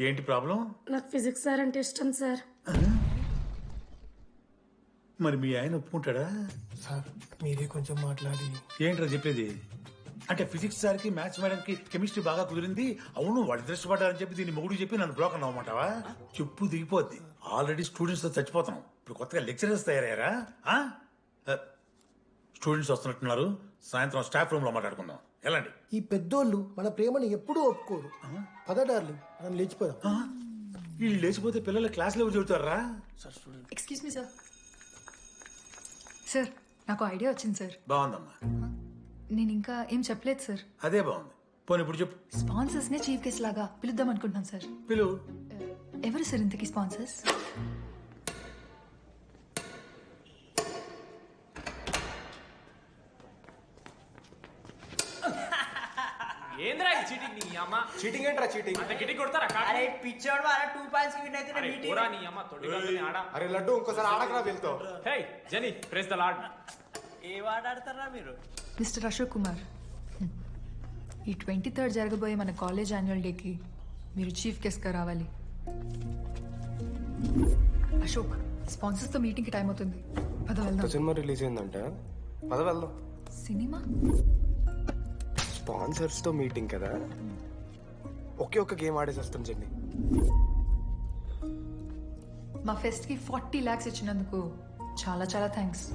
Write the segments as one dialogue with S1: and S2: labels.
S1: ఏంటి ప్రాబ్లం?
S2: నాకు physics sir అంటే ఇష్టం సార్.
S1: మరి మీ ఆయన ఒప్పుకుంటాడా?
S3: సార్ మీరే కొంచెం మాట్లాడి.
S1: ఏంట్రా చెప్పేది? అంటే ఫిజిక్స్ సార్కి మ్యాథ్స్ మేడంకి కెమిస్ట్రీ బాగా కుదిరింది, అవును వాళ్ళు ఇష్టపడ్డారని చెప్పి దీన్ని మొగుడు చెప్పి నన్ను బ్రోకన్ అవ్వమంటావా? చెప్పు దిగిపోద్ది. ఆల్రెడీ స్టూడెంట్స్ తో చచ్చిపోతున్నాం, ఇప్పుడు కొత్తగా లెక్చరర్స్ తయారయ్యారా? స్టూడెంట్స్ వస్తున్నట్టున్నారు, సాయంత్రం స్టాఫ్ రూమ్ లో మాట్లాడుకుందాం. వెళ్ళండి.
S3: ఈ పెద్దోళ్ళు మన ప్రేమని ఎప్పుడూ ఒప్పుకోరు. పద డార్లింగ్, మనం లేచిపోదాం.
S1: వీళ్ళు లేచిపోతే పిల్లలు క్లాస్ లో చెబుతారా?
S4: Excuse me sir. సార్ నాకు ఐడియా వచ్చింది సార్.
S1: బాగుందమ్మా.
S4: నేను ఇంకా ఏం చెప్పలేదు సార్.
S1: అదే బాగుంది. పోనీ ఇప్పుడు చెప్పు.
S4: స్పాన్సర్స్ నే చీఫ్ గెస్ట్ లాగా పిలుద్దాం అనుకుంటున్నాను సార్.
S1: పిలువు.
S4: ఎవరు సార్ ఇంతకీ స్పాన్సర్స్?
S5: ఏంద్రా ఈ చీటింగ్? నీ అమ్మ
S6: చీటింగ్ ఏంట్రా చీటింగ్?
S5: అంత గిటి కొడతారా?
S7: అరే పిచ్చోడు వారా 2 పాయింట్స్ విన్ అయితే
S5: అరే
S7: మీటింగ్.
S5: పోరా నీ అమ్మ తొడిగాలని ఆడ.
S6: అరే లడ్డు ఇంకోసారి ఆడకరా వెళ్తో.
S5: Hey Jenny, praise the Lord.
S7: ఏ వార్డ్ ఆడతారా మీరు?
S4: మిస్టర్ అశోక్ కుమార్, ఈ 23rd జరగబోయే మన కాలేజ్ యాన్యువల్ డేకి మీరు చీఫ్ గెస్ట్గా రావాలి. అశోక్, స్పాన్సర్స్తో మీటింగ్కి టైం అవుతుంది, పద వెళ్దాం.
S6: సినిమా రిలీజ్ అయిందంట, పద వెళ్దాం.
S4: సినిమా?
S6: స్పాన్సర్స్ తో మీటింగ్ కదా, ఒకే ఒక్క గేమ్ ఆడేసి వస్తాం జెన్నీ.
S4: మా ఫెస్ట్కి 40 lakhs ఇచ్చినందుకు చాలా చాలా థ్యాంక్స్.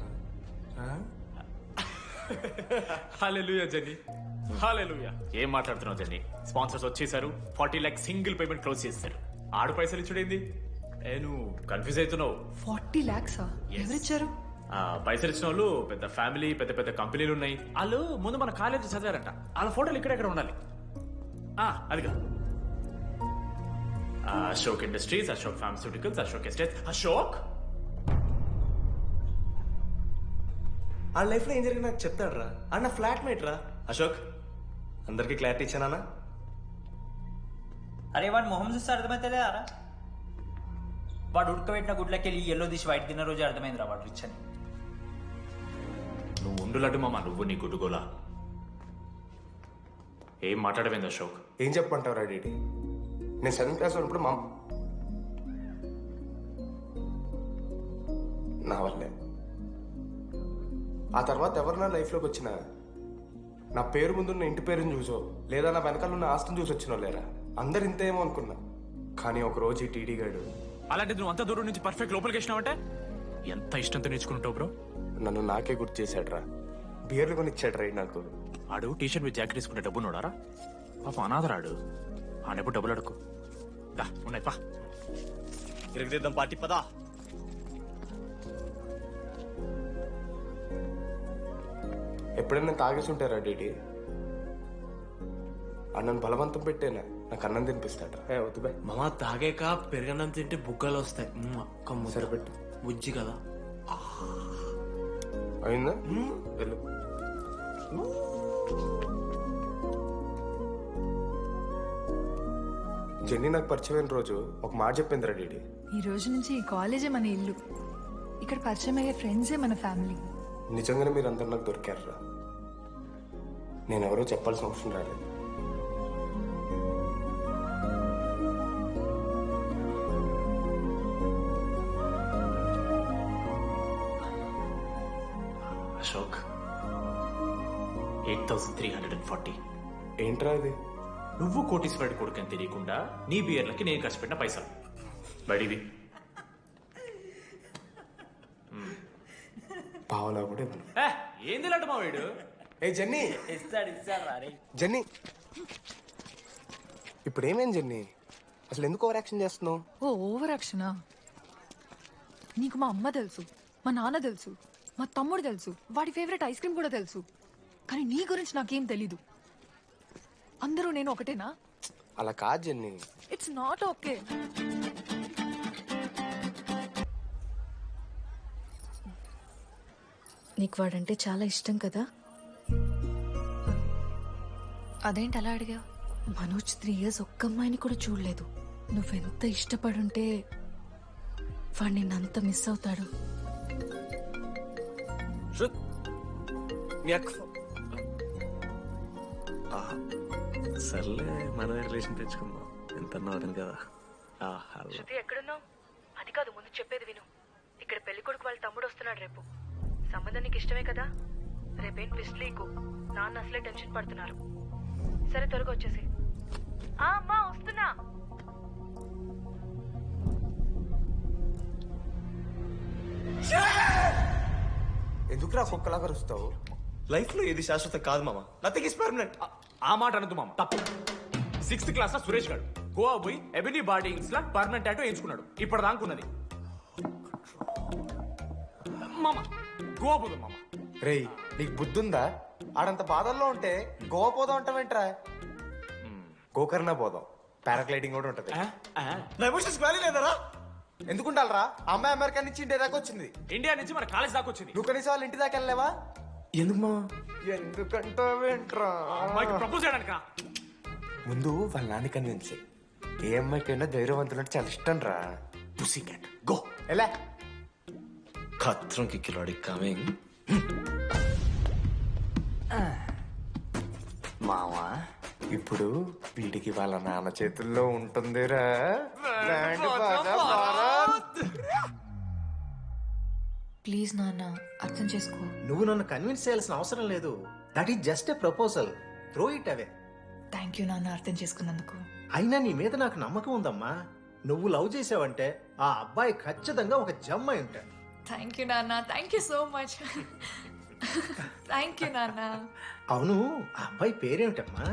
S5: హల్లెలూయా జెన్నీ, హల్లెలూయా. ఏం మాట్లాడుతున్నావు జెన్నీ? స్పాన్సర్స్ వచ్చేసారు, 40 lakhs సింగిల్ పేమెంట్ క్లోజ్ చేస్తారు. ఆడు పైసలు ఇచ్చుడేంది? నువ్వు కన్ఫ్యూజ్ అవుతున్నావు.
S4: 40 lakhs ఎవరిచ్చారు?
S5: పైసలు ఇచ్చిన వాళ్ళు పెద్ద ఫ్యామిలీ, పెద్ద పెద్ద కంపెనీలు ఉన్నాయి. వాళ్ళు ముందు మన కాలేజ్ చదివారంట, వాళ్ళ ఫోటోలు ఇక్కడెక్కడ ఉండాలి. అదిగా Ashok industries, Ashok pharmaceuticals, Ashok estates. Ashok
S8: ఆ లైఫ్ లో ఏం జరిగింది నాకు చెప్తాడు రా. అన్న ఫ్లాట్ మేట్ రా అశోక్. అందరికి క్లారిటీ ఇచ్చానా?
S7: అరే వాడు మొహం చూస్తే అర్థమైతే అరా. వాడు ఉడకబెట్టిన గుడ్లకి వెళ్ళి ఎల్లో తీసి వైట్ తిన్న రోజు అర్థమైందిరా వాడు రిచ్ అని.
S5: నువ్వు ఉండులడ్డు మామ, నువ్వు నీ గుడ్డుగోలా. ఏం మాట్లాడమైంది అశోక్?
S6: ఏం చెప్పంటావురా డీడీ? నేను 7th క్లాస్ ఉన్నప్పుడు నా వల్లే. ఆ తర్వాత ఎవరు నా లైఫ్లోకి వచ్చినా నా పేరు ముందున్న ఇంటి పేరుని చూసో లేదా నా వెనకాల ఉన్న ఆస్తిని చూసి వచ్చినో లేరా, అందరు ఇంతేమో అనుకున్నా. కానీ ఒక రోజు ఈ టీడీ గాడు,
S5: అలాంటి నువ్వు అంత దూరం నుంచి పర్ఫెక్ట్ లోపలికి వచ్చినావంటే ఎంత ఇష్టంతో నేర్చుకుంటావు బ్రో.
S6: నన్ను నాకే గుర్తు చేశాడు రా. బియర్లు కొని ఇచ్చాడు రా నాకు.
S5: ఆడు టీషర్ట్ మీద జాకెట్ తీసుకుంటే డబ్బు నోడారా? పాప అనాథరాడు, ఆడెప్పుడు డబ్బులు అడుకు. ఉన్నాయి పా,
S8: ఇరగదిద్దాం పార్టీ పదా.
S6: ఎప్పుడైనా తాగేసి ఉంటారా డీడీ? అన్నను బలవంతం పెట్టేనా నాకు అన్నం తినిపిస్తాడు. వద్దు బాయ్
S8: మామ, తాగాక పెరగన్నం తింటే బుగ్గలు వస్తాయి.
S6: సరిపెట్టు.
S8: బుజ్జి కదా.
S6: అయిందా? వెళ్ళు. జెన్నీ నాకు పరిచయమైన రోజు ఒక మాట చెప్పిందిరా డీడీ.
S4: ఈ రోజు నుంచి ఈ కాలేజే మన ఇల్లు, ఇక్కడ పరిచయం అయ్యే ఫ్రెండ్సే మన ఫ్యామిలీ.
S6: నిజంగానే మీరు అందరు నాకు దొరికారురా. నేను ఎవరో చెప్పాల్సిన అవసరం రాలేదు.
S5: అశోక్, 8,340.
S6: ఏంట్రా ఇది?
S5: నువ్వు కోటీశ్వరుడి కొడుకని తెలియకుండా నీ బియర్లకి నేను ఖర్చు పెట్టిన పైసలు బడివి.
S6: పావలా కూడా ఇవ్వను.
S5: ఏంది లాంటి మా వీడు?
S6: ఏ జెన్నీ,
S7: ఇస్తాడు రా.
S6: జెన్నీ ఇప్పుడు ఏమేం జెన్నీ? అసలు ఎందుకు ఓవర్ యాక్షన్ చేస్తున్నావు?
S4: ఓవర్ యాక్షనా? నీకు మా అమ్మ తెలుసు, మా నాన్న తెలుసు, మా తమ్ముడు తెలుసు, వాడి ఫేవరెట్ ఐస్ క్రీమ్ కూడా తెలుసు. కానీ నీ గురించి నాకేం తెలీదు. అందరూ నేను ఒకటేనా?
S6: అలా కాదు జెన్నీ.
S4: It's not okay.
S9: నీకు వాడంటే చాలా ఇష్టం కదా?
S4: అదేంటి అలా అడిగా?
S9: మనోజ్ 3 years ఒక్క అమ్మాయిని కూడా చూడలేదు. నువ్వెంత ఇష్టపడుంటే వాడు నిన్నంత మిస్ అవుతాడు.
S8: సర్లే, మనమే రిలేషన్ తెచ్చుకుందాం. ఎంత ఎంత వదిన కదా.
S9: శృతి ఎక్కడున్నావు? అది కాదు, ముందు చెప్పేది విను. ఇక్కడ పెళ్లి కొడుకు వాళ్ళ తమ్ముడు వస్తున్నాడు రేపు. సంబంధం నీకు ఇష్టమే కదా? రేపేం ట్విస్ట్ లీకు. నాన్న అసలే టెన్షన్ పడుతున్నారు. సరే త్వరగా వచ్చేసి. అమ్మా వస్తున్నా.
S6: ఎందుకురా కుక్కలాగా రుస్తావు?
S8: లైఫ్ లో ఏది శాశ్వత కాదు మామ. Nothing is permanent.
S5: ఆ మాట అనదు మామ, తప్పు. 6th క్లాస్ లో సురేష్ గారు గోవా పోయి ఎబినీ బార్డింగ్స్ లా పర్మనెంట్ టాటూ ఎంచుకున్నాడు. ఇప్పుడు దానుకున్నది మామ. గోవా పోదు మామ.
S6: రేయ్ నీకు బుద్ధుందా? ఆడంత బాధల్లో ఉంటే గోవా పోదాం అంటావేంట్రా? గోకర్ణ పోదాం, పారాగ్లైడింగ్ కూడా ఉంటది.
S8: నా ఎమోషన్స్ వాల్యూ లేదరా?
S6: ఎందుకుంటారా? అమ్మాయి అమెరికా నుంచి ఇండియా దాకా వచ్చింది.
S5: ఇండియా నుంచి మన కాలేజ్ దాకా వచ్చింది.
S6: నువ్వు కనీసం వాళ్ళ ఇంటి దాకా వెళ్ళలేవా?
S8: ఎందుకు మామ?
S6: ఎందుకంటావేంట్రా?
S5: అమ్మాయికి ప్రపోజ్ చేయడానికి
S6: ముందు వాళ్ళ నాన్న కన్విన్స్. ఏ అమ్మాయికైనా ధైర్యవంతులంటే చాలా ఇష్టం రా.
S8: Pussy cat go.
S6: ఎలా?
S8: ఖత్రం కి కిలాడి కమింగ్.
S6: మావా ఇప్పుడు వీడికి వాళ్ళ నాన్న చేతుల్లో ఉంటుందిరా. బ్యాండ్ బాజా భారత్.
S9: ప్లీజ్ నాన్న, అర్థం చేసుకో.
S10: నువ్వు నన్ను కన్విన్స్ చేయాల్సిన అవసరం లేదు. That is just a proposal. Throw it away.
S9: Thank you నాన్న, అర్థం చేసుకున్నందుకు.
S10: అయినా నీ మీద నాకు నమ్మకం ఉందమ్మా. నువ్వు లవ్ చేసావంటే ఆ అబ్బాయి ఖచ్చితంగా ఒక జమ్ అయి ఉంటాడు.
S9: థ్యాంక్ యూ నాన్న, thank you so much. Thank you నాన్న.
S10: అవును, ఆ అబ్బాయి పేరేమిటమ్మా?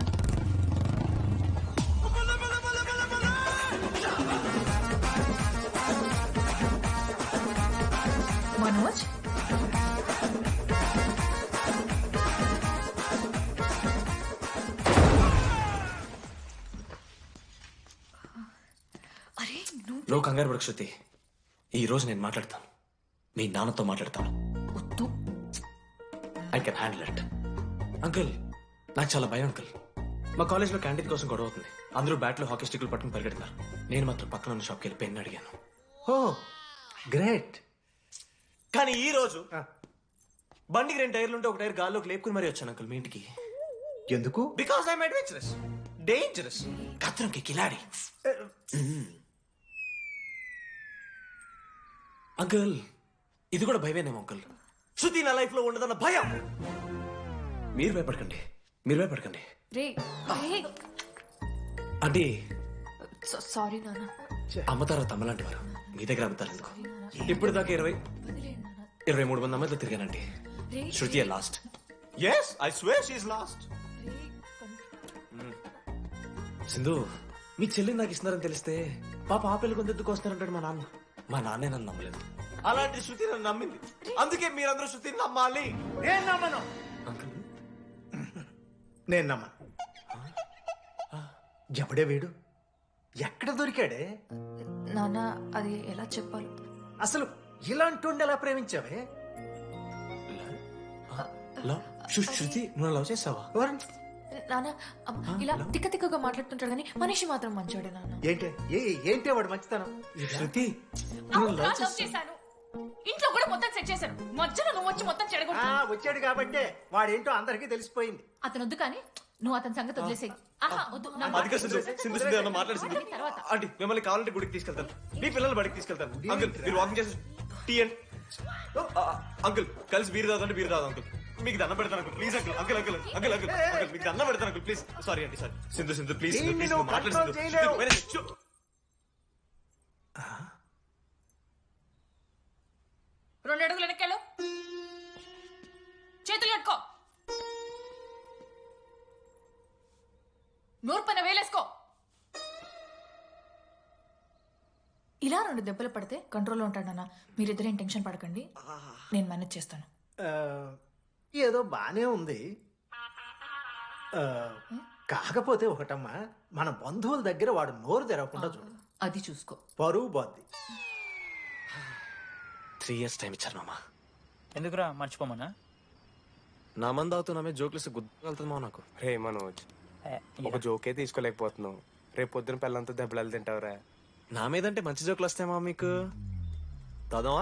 S9: మనోజ్. అరే
S8: నువ్వు కంగారు పడకు శృతి. ఈ రోజు నేను మాట్లాడతాను. మీ నాన్నతో మాట్లాడతాను.
S9: వద్దు.
S8: I can handle it. Uncle, నాకు చాలా భయం అంకుల్. మా కాలేజ్లో క్యాంటీన్ కోసం గొడవ అవుతుంది. అందరూ బ్యాట్లో హాకీ స్టిక్లు పట్టుకుని పరిగెడుతున్నారు. నేను మాత్రం పక్కన ఉన్న షాప్కి వెళ్ళి పెన్ అడిగాను.
S10: Oh great.
S8: కానీ ఈ రోజు బండికి 2 టైర్లు ఉంటే ఒక టైర్ గాల్లోకి లేపుకుని మరీ వచ్చాను అంకుల్ మీ ఇంటికి.
S10: ఎందుకు?
S8: బికాస్ ఐఎమ్ అడ్వెంచరస్, డేంజరస్, ఖత్రంకి కిలాడి. అంకుల్, ఇది కూడా భయమేనేమో అంకుల్. శృతి నా లైఫ్ లో ఉండదన్న భయం. మీరు భయపడకండి, మీరు భయపడకండి.
S9: రే
S8: అంటే
S9: సారీ నాన్న.
S8: అమ్మ తర్వాత అమ్మలాంటి వారు మీ దగ్గర అమ్ముతారు ఎందుకు? ఇప్పుడు దాకా 23 మంది అమ్మాయితో తిరిగానండి. Shruti last. Yes, I swear she is last. Sindhu, మీ చెల్లిని నాకు ఇస్తున్నారని తెలిస్తే పాప ఆ పెళ్లి కొందెత్తుకు వస్తారంటాడు మా నాన్న. మా నాన్నే నన్ను నమ్మలేదు. అలాంటి శృతి నన్ను నమ్మింది. అందుకే మీరందరూ శృతిని నమ్మాలి.
S10: నేను నమ్మను.
S8: అంకుల్,
S10: నేను నమ్మను. ఎవడే వీడు? ఎక్కడ దొరికాడే?
S9: నాన్న, అది ఎలా చెప్పాలి?
S10: అసలు ఇలాంటి ఎలా ప్రేమించావే?
S8: శృతి, నువ్వు లవ్ చేసావా?
S9: నాన్న, ఇలా తిక్కగా మాట్లాడుతుంటాడు కానీ మనిషి మాత్రం మంచోడే నాన్న.
S10: ఏంటి వాడు మంచితనం?
S8: శృతి,
S9: చేశాను. ఇంట్లో కూడా మొత్తం సెట్ చేశాను. మధ్యలో నువ్వు వచ్చి మొత్తం చెడగొట్టు.
S10: వచ్చాడు కాబట్టే వాడేంటో అందరికీ తెలిసిపోయింది.
S9: అతను వద్దు కానీ నువ్వు అతని సంగతి వదిలేసేయి.
S8: తర్వాత అంటే మిమ్మల్ని కావాలంటే గుడికి తీసుకెళ్తాను, మీ పిల్లలు బడికి తీసుకెళ్తాను. అంకుల్, మీరు వాకింగ్ చేసి టీ అండ్ అంకుల్ కలిసి బీరు తాగుతుంటే బీరు తాగు అంకుల్. మీకు దండం పెడతాను uncle, please uncle. Uncle uncle uncle uncle uncle మీకు దండం పెడతాను అంకుల్, ప్లీజ్. సారీ అండి, సారీ. సింధు ప్లీజ్ ప్లీజ్ మాట్లాడు.
S9: 2 అడుగులు వెనక్కెళ్ళు. చేతులు కట్టుకో. నోరు పైన వేలేసుకో. ఇలా 2 దెబ్బలు పడితే కంట్రోల్లో ఉంటాడన్నా. మీరిద్దరేం టెన్షన్ పడకండి, నేను మేనేజ్ చేస్తాను.
S10: ఏదో బానే ఉంది. కాకపోతే ఒకటమ్మా, మన బంధువుల దగ్గర వాడు నోరు తెరవకుండా చూడు.
S9: అది చూసుకో.
S10: పరువు బాద్ది.
S8: 3 years టైం ఇచ్చారు మామ.
S7: ఎందుకురా మర్చిపోమన్నా?
S8: నా మంది అవుతున్నా మీద జోక్లు గుర్తుకెళ్తుంది మా నాకు.
S6: రే మనోజ్, ఒక జోకే తీసుకోలేకపోతున్నావు. రేపు పొద్దున పిల్లలతో దెబ్బలు తింటావురా.
S8: నా మీదంటే మంచి జోకులు వస్తాయమా మీకు? దాదావా?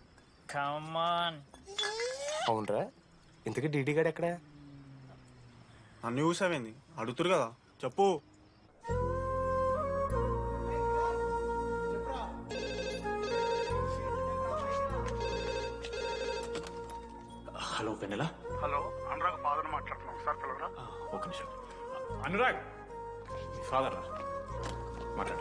S6: అవునరా, ఇంతకీ డీడీ గాడు ఎక్కడా?
S11: అన్ని చూసావేంది? అడుగుతురు కదా, చెప్పు.
S5: హలో వెన్నెలా.
S11: హలో అనురాగ్ ఫాదర్ మాట్లాడుతున్నాం సార్ పిల్లరా.
S5: ఒక నిమిషం. అనురాగ్ ఫాదర్ మాట్లాడు.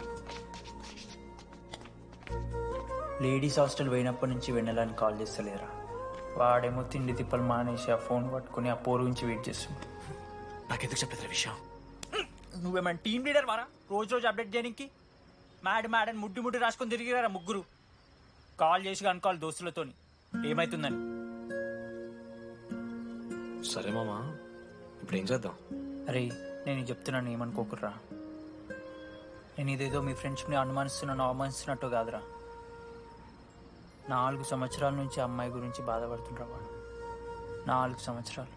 S7: లేడీస్ హాస్టల్ పోయినప్పటి నుంచి వెన్నెలని కాల్ చేస్తలేరా. వాడేమో తిండి తిప్పలు మానేసి ఆ ఫోన్ పట్టుకుని ఆ పోరు గురించి వెయిట్ చేస్తుంది.
S5: నాకెందుకు చెప్పలేదు విషయం?
S7: నువ్వేమైనా టీం లీడర్ వారా రోజు రోజు అప్డేట్ చేయడానికి? మ్యాడ్ ముడ్డి ముడ్డి రాసుకొని తిరిగిరారా ముగ్గురు. కాల్ చేసి కనుకోవాలి దోస్తులతోని ఏమైతుందని.
S8: సరే మామా, ఇప్పుడు ఏం చేద్దాం?
S7: అరే నేను చెప్తున్నాను ఏమనుకోకుర్రా. నేను ఇదేదో మీ ఫ్రెండ్షిప్ని అనుమానిస్తున్నాను అవమానిస్తున్నట్టు కాదురా. 4 సంవత్సరాల నుంచి అమ్మాయి గురించి బాధపడుతుండ్రా వాడు. 4 సంవత్సరాలు.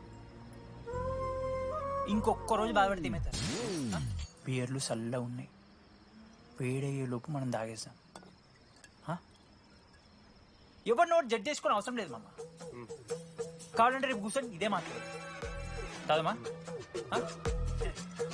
S7: ఇంకొక్క రోజు బాధపడితే ఏమవుతారు? బియర్లు చల్లగా ఉన్నాయి, వేడయ్యే లోపు మనం తాగేసాం. ఎవరి నోట్ జడ్జ్ చేసుకుని అవసరం లేదు మామ. కావాలంటే రేపు కూర్చొని ఇదే మాట్లాడదు కాదమ్మా.